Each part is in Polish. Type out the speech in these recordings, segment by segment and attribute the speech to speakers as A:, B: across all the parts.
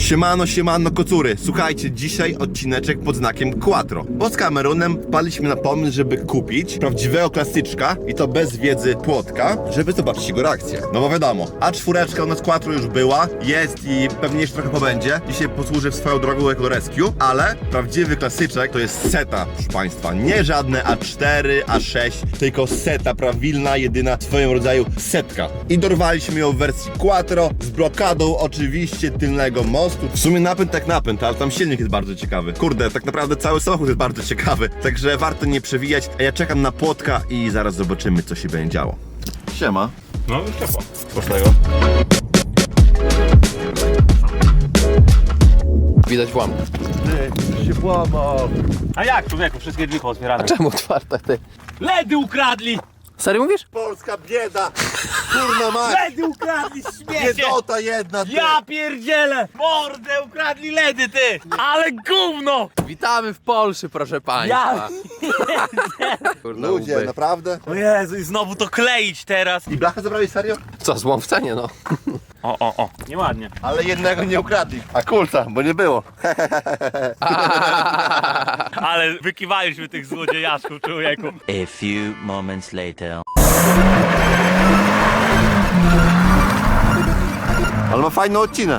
A: Siemano, siemano kocury. Słuchajcie, dzisiaj odcineczek pod znakiem Quattro. Bo z Kamerunem wpadliśmy na pomysł, żeby kupić prawdziwego klasyczka i to bez wiedzy Płotka, żeby zobaczyć jego reakcję. No bo wiadomo, A4 u nas Quattro już była, jest i pewnie jeszcze trochę pobędzie. Dzisiaj posłuży w swoją drogą jako rescue, ale prawdziwy klasyczek to jest seta, proszę Państwa. Nie żadne A4, A6, tylko seta, prawilna, jedyna w swoim rodzaju setka. I dorwaliśmy ją w wersji Quattro z blokadą oczywiście tylnego mostu. W sumie napęd tak napęd, ale tam silnik jest bardzo ciekawy. Kurde, tak naprawdę cały samochód jest bardzo ciekawy, także warto nie przewijać. A ja czekam na Płotka i zaraz zobaczymy, co się będzie działo. Siema.
B: No już ciepło. Pocznego.
C: Widać włam.
A: Ty, się włamał.
B: A jak, człowieku? Wszystkie drzwi pootwierane.
C: Czemu otwarte ty?
B: LEDy ukradli!
C: Serio mówisz?
A: Polska bieda! Kurna mać!
B: LEDy ukradli, śmiecie!
A: Biedota jedna, ty!
B: Ja pierdzielę! Mordę ukradli LEDy, ty! Ale gówno!
C: Witamy w Polsce, proszę państwa. Kurde,
A: Ludzie,
C: łby.
A: naprawdę?
B: O Jezu, i znowu to kleić teraz!
A: I blachę zabrali serio?
C: Co, złom w cenie, no.
B: O. Nieładnie.
A: Ale jednego nie ukradli. A kulca, bo nie było.
B: Ale wykiwaliśmy tych złodziejaszków, człowieku.
D: A few moments later.
A: Ale ma fajny odcinek.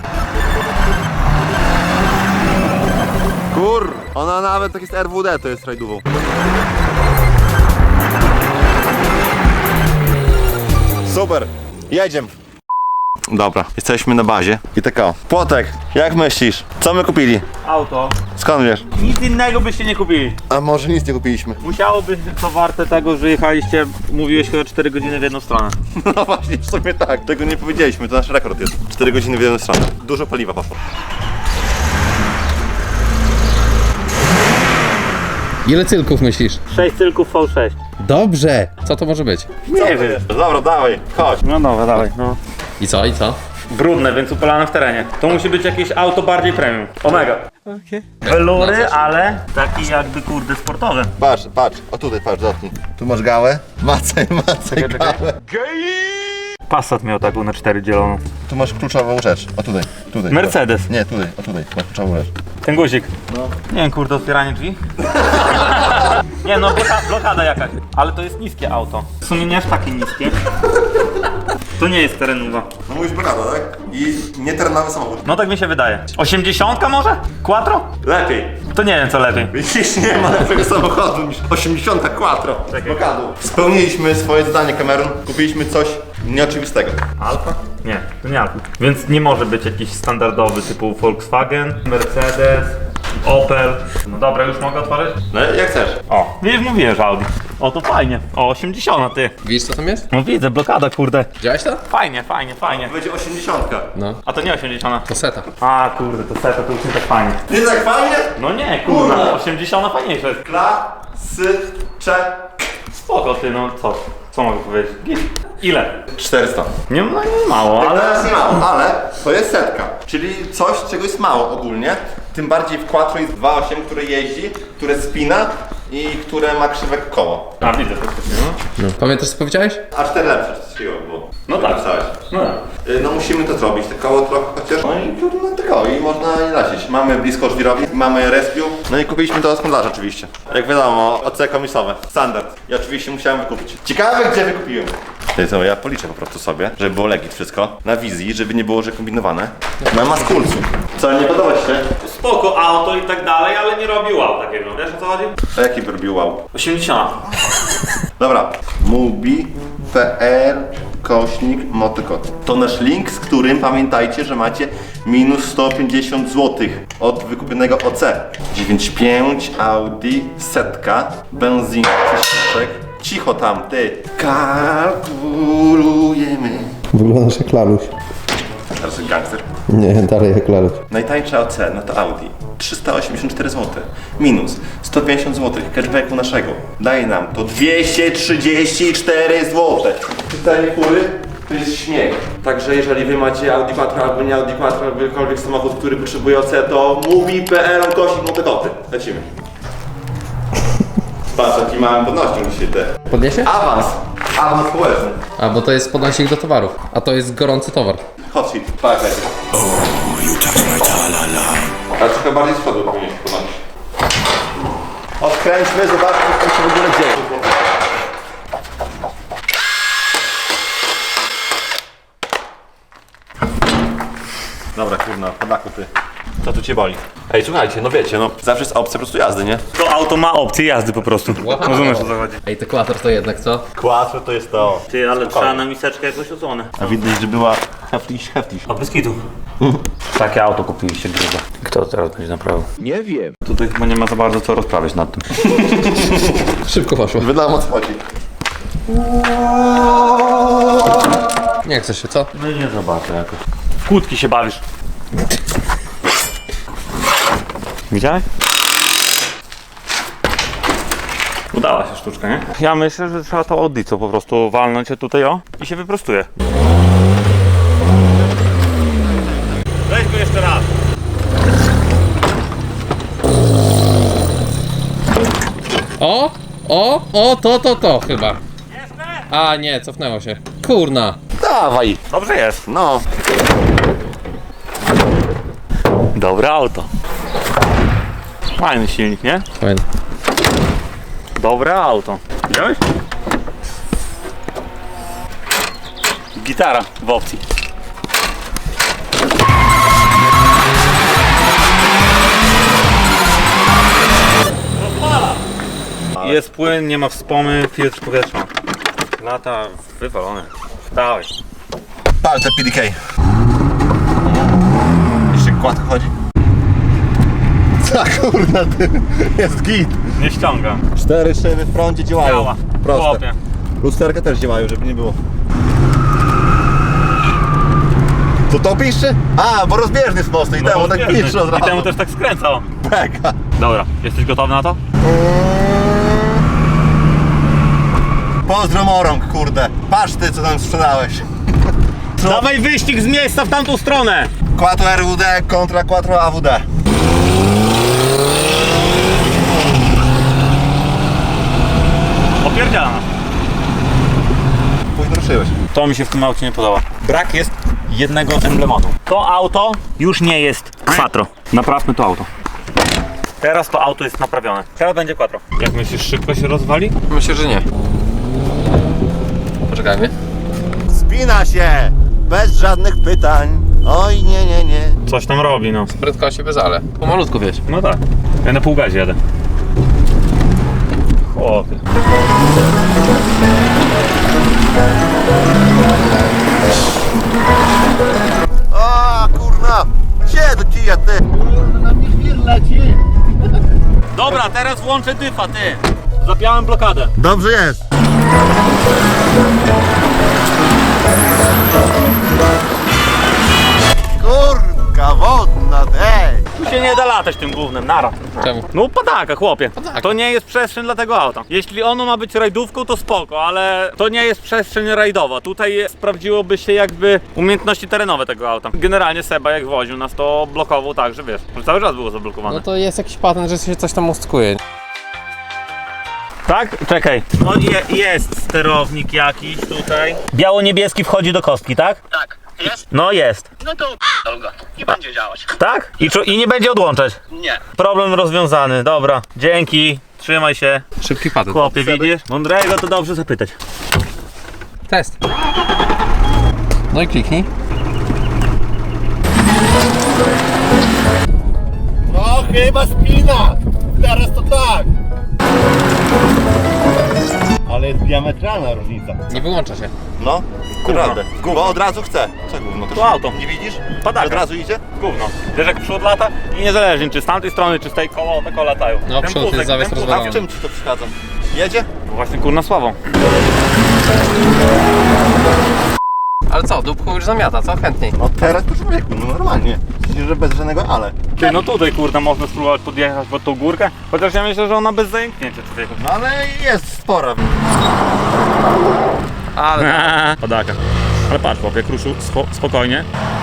A: Kur, ona nawet tak jest RWD, to jest rajdową. Super, jedziemy. Dobra, jesteśmy na bazie. I tak o. Płotek, jak myślisz? Co my kupili?
B: Auto.
A: Skąd wiesz?
B: Nic innego byście nie kupili.
A: A może nic nie kupiliśmy?
B: Musiało być to warte tego, że jechaliście, mówiłeś chyba 4 godziny w jedną stronę.
A: No właśnie, w sumie tak. Tego nie powiedzieliśmy, to nasz rekord jest. 4 godziny w jedną stronę. Dużo paliwa poszło.
C: Ile cylków myślisz?
B: 6 cylków V6.
C: Dobrze! Co to może być?
B: Nie wiem.
A: Dobra, dawaj, chodź.
B: No dobra, dawaj, no.
C: I co, i co?
B: Brudne, więc upalane w terenie. To musi być jakieś auto bardziej premium. Omega. Welury, ale taki jakby kurde sportowy.
A: Patrz, o tutaj, patrz, dotknij. Tu masz gałę. Macaj gałę.
B: Passat miał taką na 4 dzieloną.
A: Tu masz kluczową rzecz. O tutaj.
B: Mercedes.
A: Nie, tutaj, o tutaj. Masz kluczową rzecz.
B: Ten guzik. No. Nie wiem, kurde, otwieranie drzwi. Nie no, blokada jakaś. Ale to jest niskie auto. W sumie nie aż takie niskie. To nie jest terenowa.
A: No mówisz blokada, tak? I nieterenowy samochód.
B: No tak mi się wydaje. 80 może? Quattro?
A: Lepiej.
B: To nie wiem co lepiej.
A: Widzisz, nie ma lepszego samochodu niż 80 Quattro. Z blokadą. Spełniliśmy swoje zadanie, Cameron. Kupiliśmy coś nieoczywistego.
B: Alfa? Nie, to nie Alfa. Więc nie może być jakiś standardowy typu Volkswagen, Mercedes, Opel. No dobra, już mogę otworzyć?
A: No jak chcesz.
B: O, wiesz, mówiłem, że Audi. O, to fajnie. O, 80 ty.
C: Widzisz co tam jest?
B: No widzę, blokada, kurde.
C: Widziałeś to?
B: Fajnie.
A: Będzie 80.
C: No.
B: A to nie 80.
C: To seta.
B: A, kurde, to seta to już nie tak fajnie.
A: Nie tak fajnie?
B: No nie, kurde, 80 fajniejsze jest.
A: Klasyczek.
B: Spoko ty, no co? Co mogę powiedzieć? Git. Ile?
A: 400.
B: Nie, no nie mało, ale...
A: Teraz nie mało, ale to jest setka. Czyli coś, czego jest mało ogólnie. Tym bardziej w Quattro jest 2.8, które jeździ, które spina i które ma krzywe koło.
B: A, widzę faktycznie, no.
C: Pamiętasz co powiedziałeś?
A: A 4 lepsze coś takiego było.
B: No tak.
A: Napisałeś.
B: No.
A: No musimy to zrobić, te koło trochę chociaż. No i trudno tylko i można je lecieć. Mamy blisko żwirowni, mamy rescue. No i kupiliśmy to od handlarza oczywiście. Jak wiadomo, OC komisowe, standard. I oczywiście musiałem wykupić. Ciekawe gdzie wykupiłem. To ja policzę po prostu sobie, żeby było legit wszystko. Na wizji, żeby nie było, że kombinowane. Na maskulcu. Co, nie podoba ci się?
B: Spoko auto i tak dalej, ale nie robi wow takiego. Wiesz o co chodzi?
A: A jaki by robił wow?
B: 80.
A: Dobra. Mubi.pl/motocot. To nasz link, z którym pamiętajcie, że macie minus 150 zł od wykupionego OC. 9.5 Audi setka, benzina, ciszek. Cicho tam, ty. Kalkulujemy.
E: Wyglądasz jak Laluś.
A: Teraz jest gangster.
E: Nie, dalej jak Laluś.
A: Najtańsza OC, no to Audi. 384 zł. Minus 150 zł cashbacku naszego. Daje nam to 234 zł. Pytanie kury? To jest śmiech. Także jeżeli wy macie Audi Quattro albo nie Audi Quattro, albo jakikolwiek samochód, który potrzebuje OC, to Mubi.pl/motokoty. Lecimy. Patrz, jaki mamy podnośnik dzisiaj te.
C: Podniesie?
A: Awans społeczny.
C: A, bo to jest podnośnik do towarów. A to jest gorący towar.
A: Hot shit. Tak, lecie.
F: You touch my talent.
A: A trochę bardziej z przodu powinien się podnosić. Odkręćmy, zobaczmy, co tam się w ogóle dzieje. Dobra, kurna, padaku ty. Co tu cię boli? Ej, słuchajcie, no wiecie, no zawsze jest opcja po prostu jazdy, nie?
B: To auto ma opcję jazdy po prostu. Rozumiesz, o co chodzi?
C: Ej, te Quattro to jednak co?
A: Quattro to jest to.
B: Ty, ale trzeba na miseczkę jakoś odsłonę.
A: A widać, że była heftiś.
B: A bez kitu. Takie auto kupiliście grube. Kto to teraz będzie naprawił?
C: Nie wiem.
B: Tutaj chyba nie ma za bardzo co rozprawiać nad tym.
C: Szybko poszło.
A: Wydałem o co chodzi.
C: Nie chcesz się, co?
B: No nie zobaczę jakoś. W kłódki się bawisz. Widziałeś? Udała się sztuczka, nie? Ja myślę, że trzeba to odlić, co po prostu walnąć się tutaj i się wyprostuje. Weź go jeszcze raz.
C: To chyba. A nie, cofnęło się. Kurna.
A: Dawaj.
B: Dobrze jest.
A: No.
B: Dobre auto. Fajny silnik, nie?
C: Fajne.
B: Dobre auto. Widziałeś? Gitara w opcji. Jest płyn, nie ma wspomy, filtr powietrza. Lata wywalone. Dawaj.
A: Pal te PDK. Jeszcze kładko chodzi. Co kurna ty? Jest git.
B: Nie ściąga.
A: 4 szyby w prądzie działają.
B: Działa.
A: Proste.
B: Chłopie.
A: Lusterka też działają, żeby nie było. To to piszczy? A, bo rozbieżny jest mocny i temu tak
B: rozbieżny.
A: piszczy od
B: I
A: razu.
B: temu też tak skręcał.
A: Peka.
B: Dobra, jesteś gotowy na to?
A: Pozdro morąg, kurde. Patrz ty, co tam sprzedałeś.
B: Dawaj wyścig z miejsca w tamtą stronę!
A: Quattro RWD kontra Quattro AWD.
B: Opierdzielana.
A: Późno ruszyłeś.
B: To mi się w tym aucie nie podoba. Brak jest jednego emblematu. To auto już nie jest Quattro. Naprawmy to auto. Teraz to auto jest naprawione. Teraz będzie Quattro. Jak myślisz, szybko się rozwali?
C: Myślę, że nie. Poczekajmy.
A: Spina się! Bez żadnych pytań. Oj, nie, nie, nie.
B: Coś tam robi, no.
C: Prędkości bez ale. Pomalutku wiesz.
B: No tak. Ja na pół gazie jadę. O ty.
A: O, kurna! Gdzie do kija, ty?
B: Dobra, teraz włączę dyfa, ty. Zapiałem blokadę.
A: Dobrze jest. Kurka wodna, tej.
B: Tu się nie da latać tym gównem, nara.
C: Czemu?
B: No padaka, chłopie.
C: Padaka.
B: To nie jest przestrzeń dla tego auta. Jeśli ono ma być rajdówką, to spoko, ale to nie jest przestrzeń rajdowa. Tutaj sprawdziłoby się jakby umiejętności terenowe tego auta. Generalnie Seba jak woził nas, to blokował tak, że wiesz, że cały czas było zablokowane.
C: No to jest jakiś patent, że się coś tam ustkuje.
B: Tak? Czekaj. No jest sterownik jakiś tutaj. Biało-niebieski wchodzi do kostki, tak?
F: Tak, jest?
B: No jest.
F: No to go. Nie będzie działać.
B: Tak? I nie będzie odłączać.
F: Nie.
B: Problem rozwiązany, dobra. Dzięki. Trzymaj się.
C: Szybki patent.
B: Chłopie, widzisz? Mądrego to dobrze zapytać.
C: Test. No i kliknij.
A: No chyba spina. Teraz to tak. Ale jest diametralna różnica.
C: Nie wyłącza się.
A: No, naprawdę. Bo od razu chce. Co gówno?
B: To auto.
A: Nie widzisz?
B: Padaka.
A: Od razu idzie?
B: Gówno. Wiesz jak przód lata i niezależnie czy z tamtej strony, czy z tej koło, te koła latają.
C: No, przód jest zawies
A: A
C: rozwalony.
A: w czym ci to przeszkadza? Jedzie?
B: Właśnie kurna sławą.
C: Ale co, dupku już zamiata, co? Chętniej.
A: No teraz to człowieku, no normalnie. Myślisz, że bez żadnego ale.
B: Ty, no tutaj kurna można spróbować podjechać pod tą górkę, chociaż ja myślę, że ona bez zajęknięcia człowieku.
A: No ale jest spora.
C: Ale...
B: Padaka. Ale patrz chłopie, kruszył spokojnie.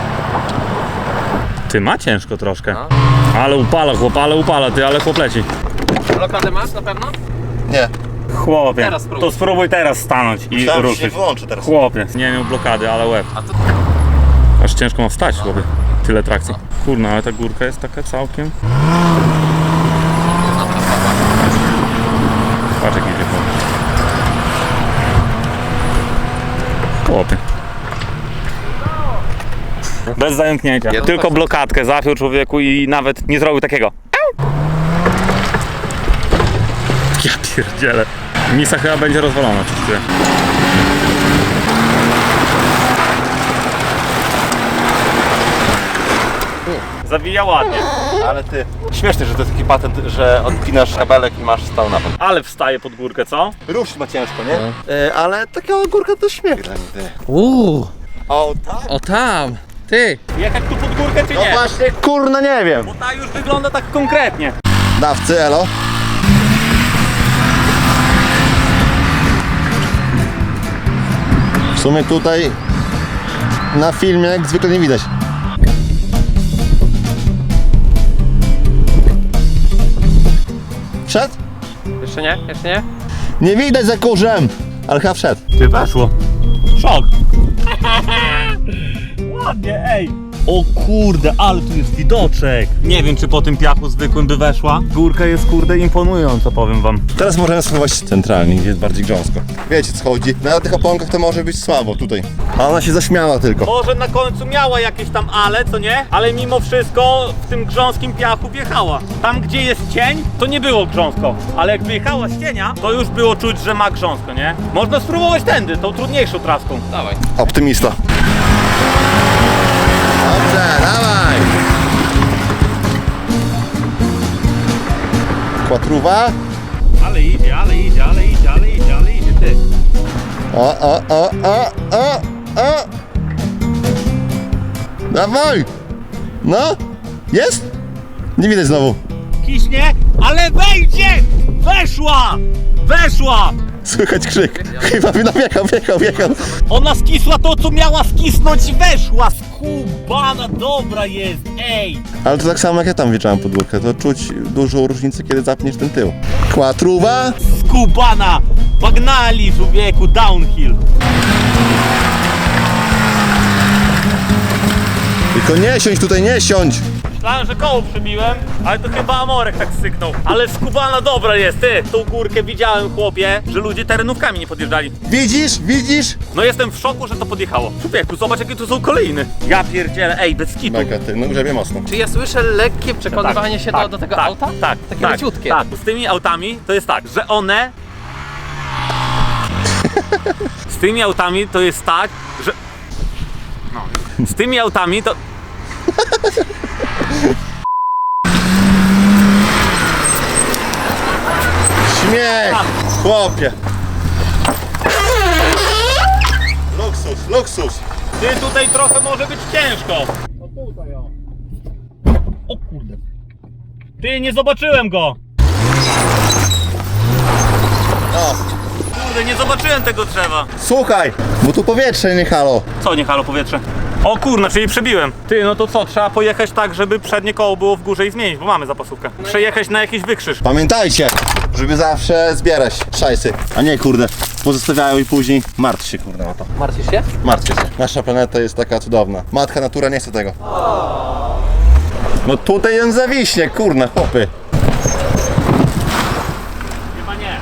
B: Ty, ma ciężko troszkę.
C: No.
B: Ale upala chłop, ale chłop leci.
C: Blokadę masz na pewno?
A: Nie.
B: Chłopie,
C: Teraz spróbuj.
B: to spróbuj teraz stanąć i
A: Myślałem, że się
B: ruszyć.
A: wyłączy teraz.
B: Chłopie, nie miał blokady, ale łeb.
C: A to...
B: Aż ciężko ma wstać chłopie. tyle trakcji. Kurna, ale ta górka jest taka całkiem... Patrz jak idzie chłopie. Bez zająknięcia, tylko blokadkę zapiął człowieku i nawet nie zrobił takiego. Ja pierdzielę. Misa chyba będzie rozwalona, coś czuję. Zawija ładnie.
A: Ale ty, śmieszne, że to jest taki patent, że odpinasz kabelek i masz stał napęd.
B: Ale wstaje pod górkę, co?
A: Rusz ma ciężko, nie? Ale taka górka to śmiech dla mnie, ty. O, tak?
C: O tam! Ty!
B: Jechać tu pod górkę czy
A: No
B: nie?
A: właśnie, kurna, nie wiem.
B: Bo ta już wygląda tak konkretnie.
A: Dawcy, elo. W sumie tutaj na filmie jak zwykle nie widać. Wszedł?
C: Jeszcze nie? Jeszcze nie?
A: Nie widać za kurzem, ale chyba wszedł.
B: Ty weszło. Szok. Ładnie, ej. O kurde, ale tu jest widoczek. Nie wiem, czy po tym piachu zwykłym by weszła. Górka jest kurde imponująca, powiem wam.
A: Teraz możemy spróbować centralnie, gdzie jest bardziej grząsko. Wiecie co chodzi? Na tych oponkach to może być słabo tutaj. A ona się zaśmiała tylko.
B: Może na końcu miała jakieś tam ale, co nie? Ale mimo wszystko w tym grząskim piachu wjechała. Tam, gdzie jest cień, to nie było grząsko. Ale jak wyjechała z cienia, to już było czuć, że ma grząsko, nie? Można spróbować tędy, tą trudniejszą traską.
C: Dawaj.
A: Optymista. Dobrze, dawaj! Kłatruwa.
B: Ale idzie, ale idzie, ale idzie, ale idzie, ale idzie, ty.
A: O. Dawaj! No! Jest? Nie widać znowu.
B: Kiśnie, ale wejdzie! Weszła! Weszła!
A: Słychać krzyk. Chyba wjechał.
B: Ona skisła to, co miała skisnąć, weszła! Skubana, dobra jest, ej!
A: Ale to tak samo jak ja tam wjeżdżałem pod górkę. To czuć dużą różnicę, kiedy zapniesz ten tył. Kłatruwa.
B: Skubana! Pagnali, człowieku, downhill!
A: Tylko nie siądź tutaj, nie siądź!
B: Myślałem, że koło przybiłem, ale to chyba Amorek tak syknął. Ale skubana dobra jest, ty! Tą górkę widziałem, chłopie, że ludzie terenówkami nie podjeżdżali.
A: Widzisz?
B: No jestem w szoku, że to podjechało. Człowieku, zobacz jakie tu są kolejny. Ja pierdzielę, ej, bez skitu.
A: Mega, ty, no grzebie mocno.
C: Czy ja słyszę lekkie przekonywanie się do tego auta?
B: Tak,
C: Takie leciutkie.
B: Tak, z tymi autami to jest tak, że one... Z tymi autami to jest tak, że... No. Z tymi autami to...
A: Śmiech! Chłopie! Luksus!
B: Ty tutaj trochę może być ciężko. O tutaj o. O kurde. Ty, nie zobaczyłem go.
A: O,
B: Kurde, nie zobaczyłem tego drzewa.
A: słuchaj, bo tu powietrze, nie halo.
B: Co, nie halo powietrze? O kurna, czyli przebiłem. Ty, no to co, trzeba pojechać tak, żeby przednie koło było w górze i zmienić, bo mamy zapasówkę. Przejechać na jakiś wykrzyż.
A: Pamiętajcie, żeby zawsze zbierać szajsy, a nie kurde, pozostawiają i później martw się kurde o to.
C: Martwisz się?
A: Martwcie się. Nasza planeta jest taka cudowna. Matka natura nie chce tego. No tutaj on zawiśnie, kurna, chłopy.
B: Chyba nie.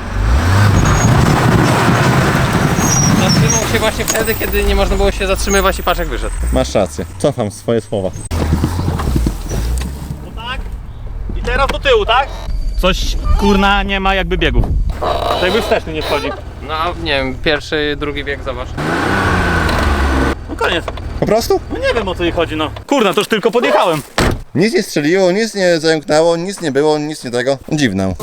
C: Zatrzymał się właśnie wtedy, kiedy nie można było się zatrzymywać i patrz jak wyszedł.
A: Masz rację, cofam swoje słowa.
B: No tak. I teraz do tyłu, tak? Coś, kurna, nie ma jakby biegów. To jakby wsteczny nie wchodzi.
C: No nie wiem, pierwszy, drugi bieg, zobacz.
B: No koniec.
A: Po prostu?
B: No nie wiem o co jej chodzi, no. Kurna, to już tylko podjechałem.
A: Nic nie strzeliło, nic nie zająknęło, nic nie było, nic nie tego. Dziwne.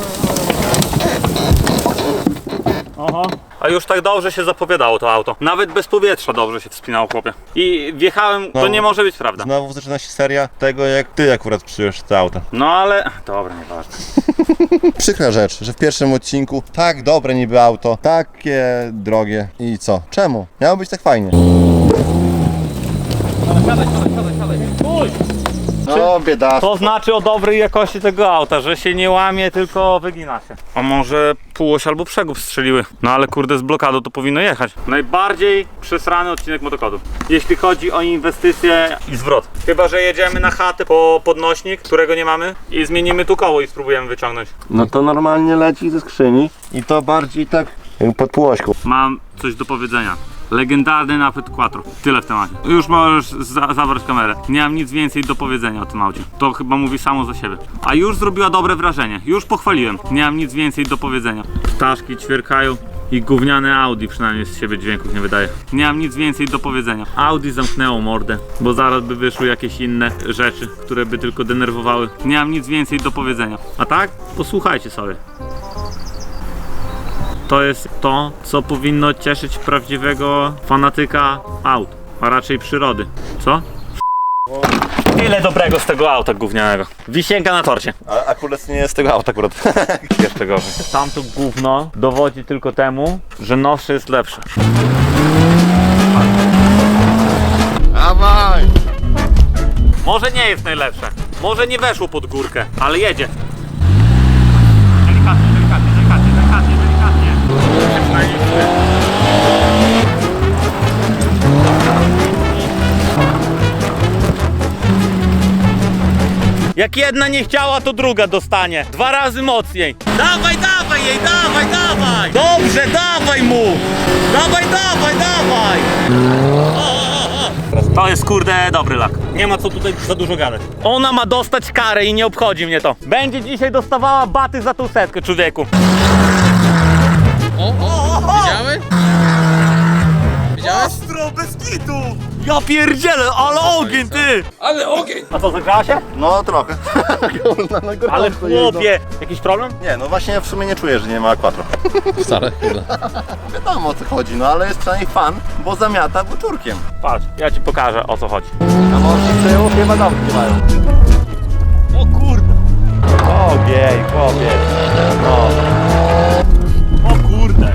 B: Aha. A już tak dobrze się zapowiadało to auto. Nawet bez powietrza dobrze się wspinało, chłopie. I wjechałem, to
A: No.
B: nie może być prawda.
A: Znowu zaczyna się seria tego, jak ty akurat przyjąłeś to auto.
B: No ale... Dobra, nieważne.
A: Przykra rzecz, że w pierwszym odcinku tak dobre niby auto, takie drogie i co? Czemu? Miało być tak fajnie.
C: Siadaj.
B: Uj!
A: No, bieda.
B: To znaczy o dobrej jakości tego auta, że się nie łamie, tylko wygina się. A może półoś albo przegub strzeliły. No ale kurde, z blokadą to powinno jechać. Najbardziej przesrany odcinek motokodu, jeśli chodzi o inwestycje i zwrot. Chyba że jedziemy na chatę po podnośnik, którego nie mamy, i zmienimy tu koło i spróbujemy wyciągnąć.
A: No to normalnie leci ze skrzyni i to bardziej tak pod półośką.
B: Mam coś do powiedzenia. Legendarny napęd Quattro. Tyle w temacie. Już możesz zabrać kamerę. Nie mam nic więcej do powiedzenia o tym aucie. To chyba mówi samo za siebie. A już zrobiła dobre wrażenie. Już pochwaliłem. Nie mam nic więcej do powiedzenia. Ptaszki ćwierkają i gówniane Audi przynajmniej z siebie dźwięków nie wydaje. Nie mam nic więcej do powiedzenia. Audi zamknęło mordę, bo zaraz by wyszły jakieś inne rzeczy, które by tylko denerwowały. Nie mam nic więcej do powiedzenia. A tak? Posłuchajcie sobie. To jest to, co powinno cieszyć prawdziwego fanatyka aut, a raczej przyrody. Co? Tyle dobrego z tego auta gównianego. Wisienka na torcie.
A: A akurat nie jest tego auta akurat.
B: Jeszcze gorzej. Tamto gówno dowodzi tylko temu, że nowsze jest lepsze.
A: Dawaj!
B: Może nie jest najlepsze. Może nie weszło pod górkę, ale jedzie. Delikatnie, delikatnie, delikatnie, delikatnie, delikatnie. Się przynajmniej czuje. Jak jedna nie chciała, to druga dostanie. 2 razy mocniej. Dawaj, dawaj jej, dawaj, dawaj! Dobrze, dawaj mu! Dawaj, dawaj, dawaj! To jest kurde dobry lak. Nie ma co tutaj za dużo gadać. Ona ma dostać karę i nie obchodzi mnie to. Będzie dzisiaj dostawała baty za tą setkę, człowieku.
C: Widziałeś? Widziałeś?
B: Ostro, bez kitu! Ja pierdzielę, ale ogień, ty!
C: Ale ogień!
B: A co, zagrzała się?
A: No trochę.
B: Ale chłopie, jakiś problem?
A: Nie, no właśnie w sumie nie czuję, że nie ma Quattro.
C: Wcale, chyba.
A: Wiadomo o co chodzi, no ale jest przynajmniej fan, bo zamiata buczurkiem.
B: Patrz, ja ci pokażę, o co chodzi.
A: A może z tyłu chyba domki mają.
B: O kurde! Ogień, chłopie. No. O kurde!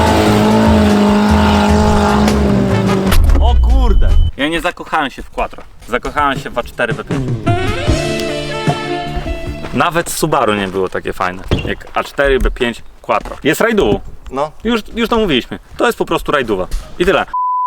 B: O kurde! Ja nie zakochałem się w Quattro. Zakochałem się w A4 B5. Nawet Subaru nie było takie fajne jak A4 B5 Quattro. Jest rajdową.
A: No.
B: Już to mówiliśmy. To jest po prostu rajdowa. I tyle.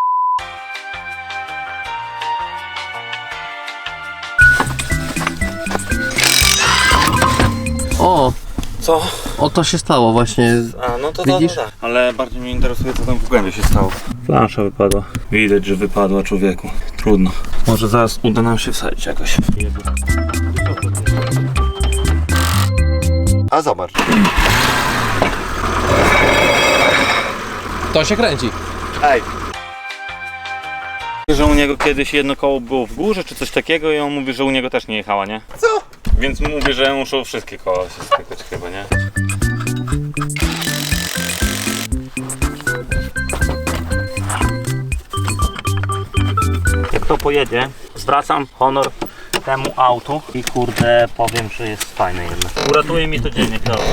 C: O,
B: Co?
C: o to się stało właśnie.
B: A, no to
C: Widzisz?
B: tak. Ale bardziej mnie interesuje, co tam w głębi się stało. Plansza wypadła. Widać, że wypadła, człowieku. Trudno. Może zaraz uda nam się wsadzić jakoś.
A: A zobacz.
C: To się kręci.
A: Ej,
B: Że u niego kiedyś jedno koło było w górze, czy coś takiego i on mówi, że u niego też nie jechała, nie?
A: co?
B: Więc mówi, że muszą wszystkie koła się stykać chyba, nie? Jak to pojedzie, zwracam honor temu autu i kurde powiem, że jest fajne jednak. Uratuje mi to dziennik, to.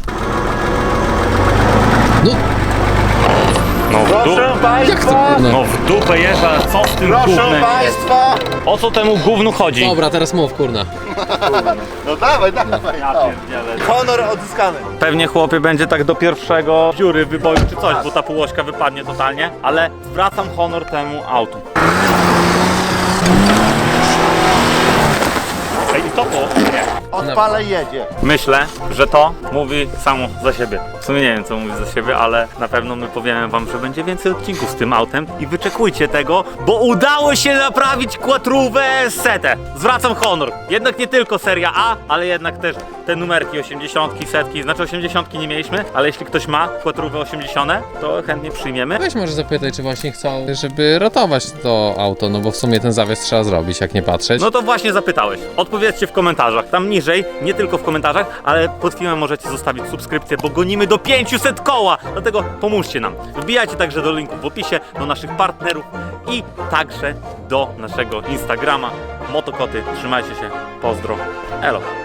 C: No,
B: No w
A: Proszę
C: jak to
A: Państwa!
C: kurna?
B: No w dupę jeżdża, co z tym
A: Proszę
B: gównem jest?
A: Państwa!
B: O co temu gównu chodzi?
C: Dobra, teraz mów, kurna.
A: No dawaj, dawaj.
B: Ja
A: No.
B: pierdzielę.
A: Honor odzyskany.
B: Pewnie chłopie będzie tak do pierwszego dziury wyboju czy coś, bo ta półośka wypadnie totalnie, ale zwracam honor temu autu. Ej, i to było? Nie.
A: Odpalę i jedzie.
B: Myślę, że to mówi samo za siebie. W sumie nie wiem, co mówi za siebie, ale na pewno my powiemy wam, że będzie więcej odcinków z tym autem i wyczekujcie tego, bo udało się naprawić quattrówę setę. Zwracam honor. Jednak nie tylko seria A, ale jednak też te numerki 80, setki, znaczy 80 nie mieliśmy, ale jeśli ktoś ma quattrówę 80, to chętnie przyjmiemy.
C: Weź może zapytaj, czy właśnie chcą, żeby ratować to auto, no bo w sumie ten zawies trzeba zrobić, jak nie patrzeć.
B: No to właśnie zapytałeś. Odpowiedzcie w komentarzach. Tam niżej, nie tylko w komentarzach, ale pod filmem możecie zostawić subskrypcję, bo gonimy do 500 koła. Dlatego pomóżcie nam. Wbijajcie także do linków w opisie, do naszych partnerów i także do naszego Instagrama. Motokoty, trzymajcie się. Pozdro. Elo.